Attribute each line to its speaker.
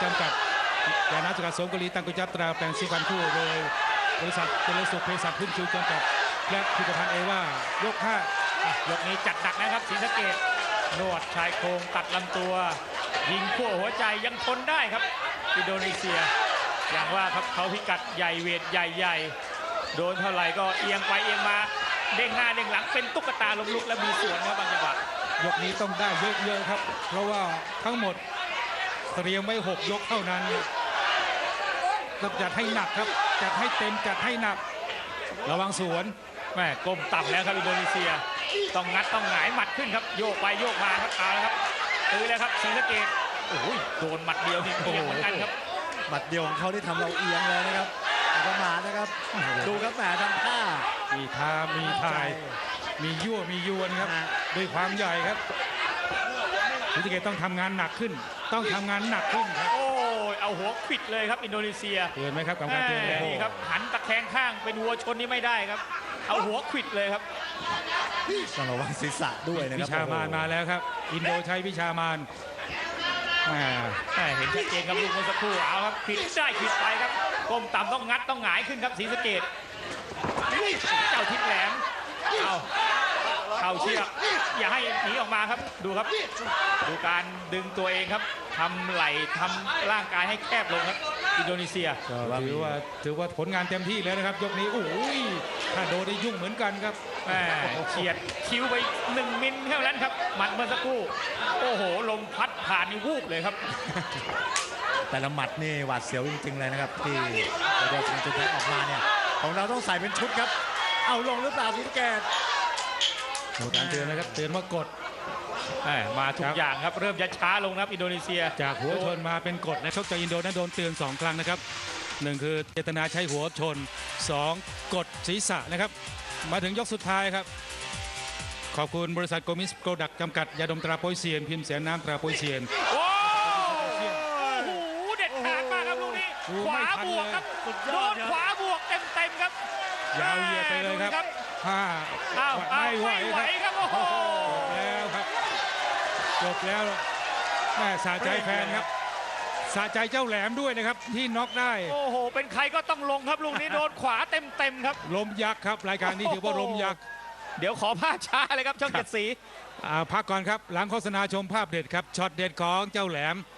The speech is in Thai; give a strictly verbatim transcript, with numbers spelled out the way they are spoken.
Speaker 1: จำกัดยานาสุกาสมกุลีตังกุจัตราแปลงสีฟันคู่โดยบริษัทเจริญสุขเภสัชพึ่งชูจำกัดและผลิตภัณฑ์เอว่ายกห้าย
Speaker 2: กนี้จัดหนักนะครับศรีสะเกษนวดชายโครงตัดลำตัว ยิงขั้วหัวใจยังทนได้ครับอินโดนีเซียอย่างว่าครับเขาพิกัดใหญ่เวทใหญ่ๆโดนเท่าไหร่ก็เอียงไปเอียงมาเด้งหน้าเด้งหลังเป็นตุ๊กตาล้มลุกและมีส่วนครับบางจังหวะ
Speaker 1: ยกนี้ต้องได้เยอะๆครับเพราะว่าทั้งหมดเตรียมไว้หกยกเท่านั้นต้องจัดให้หนักครับจัดให้เต็มจัดให้หนักระวังสวน
Speaker 2: แม่ก้มต่ำแล้วครับอินโดนีเซียต้องงัดต้องหงายหมัดขึ้นครับโยกไปโยกมาครับเอาละครับตื้อแล้วครับศรีสะเกษโอ้ยโดนหมัดเดียวนี่เอียงเหมือนกันครับ
Speaker 3: หมัดเดียวของเขาที่ทำเราเอียงเลยนะครับประมาทนะครับดูครับแหมทำท่า
Speaker 1: มีท่ามีทายมียั่วมียวนครับด้วยความใหญ่ครับศรีสะเกษต้องทำงานหนักขึ้นต้องทำงานหนักขึ้นครับ
Speaker 2: โอ้ยเอาหัวขิดเลยครับอินโดนีเซีย
Speaker 1: เตือนไหมครับกรรมการเตือน
Speaker 2: นี่ครับหันตะแคงข้างเป็นวัวชนนี่ไม่ได้ครับเอาหัวขิดเลยครับ
Speaker 3: ต้องระวังศีรษะด้วยนะครับ
Speaker 1: วิชามานมาแล้วครับอินโดใช้วิชามาน
Speaker 2: เห็นชัดเจนครับลูกเมื่อสักครู่เอาครับขิดได้ขิดไปครับก้มต่ำต้องงัดต้องหงายขึ้นครับศรีสะเกษเจ้าทิศแหลมเอาเข้าเชือกอย่าให้หนีออกมาครับดูครับดูการดึงตัวเองครับทำไหล่ทำร่างกายให้แคบลงครับอินโดนีเซีย
Speaker 1: ถือว่าถือว่าผลงานเต็มที่แล้วนะครับยกนี้โอ้ยถ้าโดนได้ยุ่งเหมือนกันครับ
Speaker 2: เฉียดคิ้วไปหนึ่งมิลเท่านั้นครับหมัดเมื่อสักครู่โอ้โหลมพัดผ่านนี่วูบเลยครับ
Speaker 3: แต่ละหมัดนี่หวาดเสียวจริงๆเลยนะครับที่โดนจุดแพ้ออกมาเนี่ยของเราต้องใส่เป็นชุดครับเอาลงหรือเปล่าศรีสะเกษ
Speaker 1: การเตือนนะครับเตือนว่ากด
Speaker 2: มาทุกอย่างครับเริ่มจะช้าลงครับอินโดนีเซีย
Speaker 1: จากหัวชนมาเป็นกดนะชกจากอินโดนั้นโดนเตือนสองครั้งนะครับหนึ่งคือเจตนาใช้หัวชนสองกดศีรษะนะครับมาถึงยกสุดท้ายครับขอบคุณบริษัทโกมิสโปรดักต์จำกัดยาดมตราโปยเซียนพิมพ์แสนน้ำตราโปยเซียน
Speaker 2: โอ้โหเด็ดขาดมากครับลูกนี้ขวาบวกครับโดนขวาบวกเต็มๆครับ
Speaker 1: ยาวเหยียดไปเลยครับห้า
Speaker 2: ไม่ไหวครับโอ้โห
Speaker 1: แล้วครับจบแล้วแม่สะใจแฟนครับสะใจเจ้าแหลมด้วยนะครับที่น็อกได้
Speaker 2: โอ้โหเป็นใครก็ต้องลงครับลูกนี้โดนขวาเต็มๆครับ
Speaker 1: ลมยักษ์ครับรายการนี้ถือว่าลมยักษ์
Speaker 2: เดี๋ยวขอภาพช้าเลยครับช่องเจ็ดสี
Speaker 1: พักก่อนครับหลังโฆษณาชมภาพเด็ดครับช็อตเด็ดของเจ้าแหลม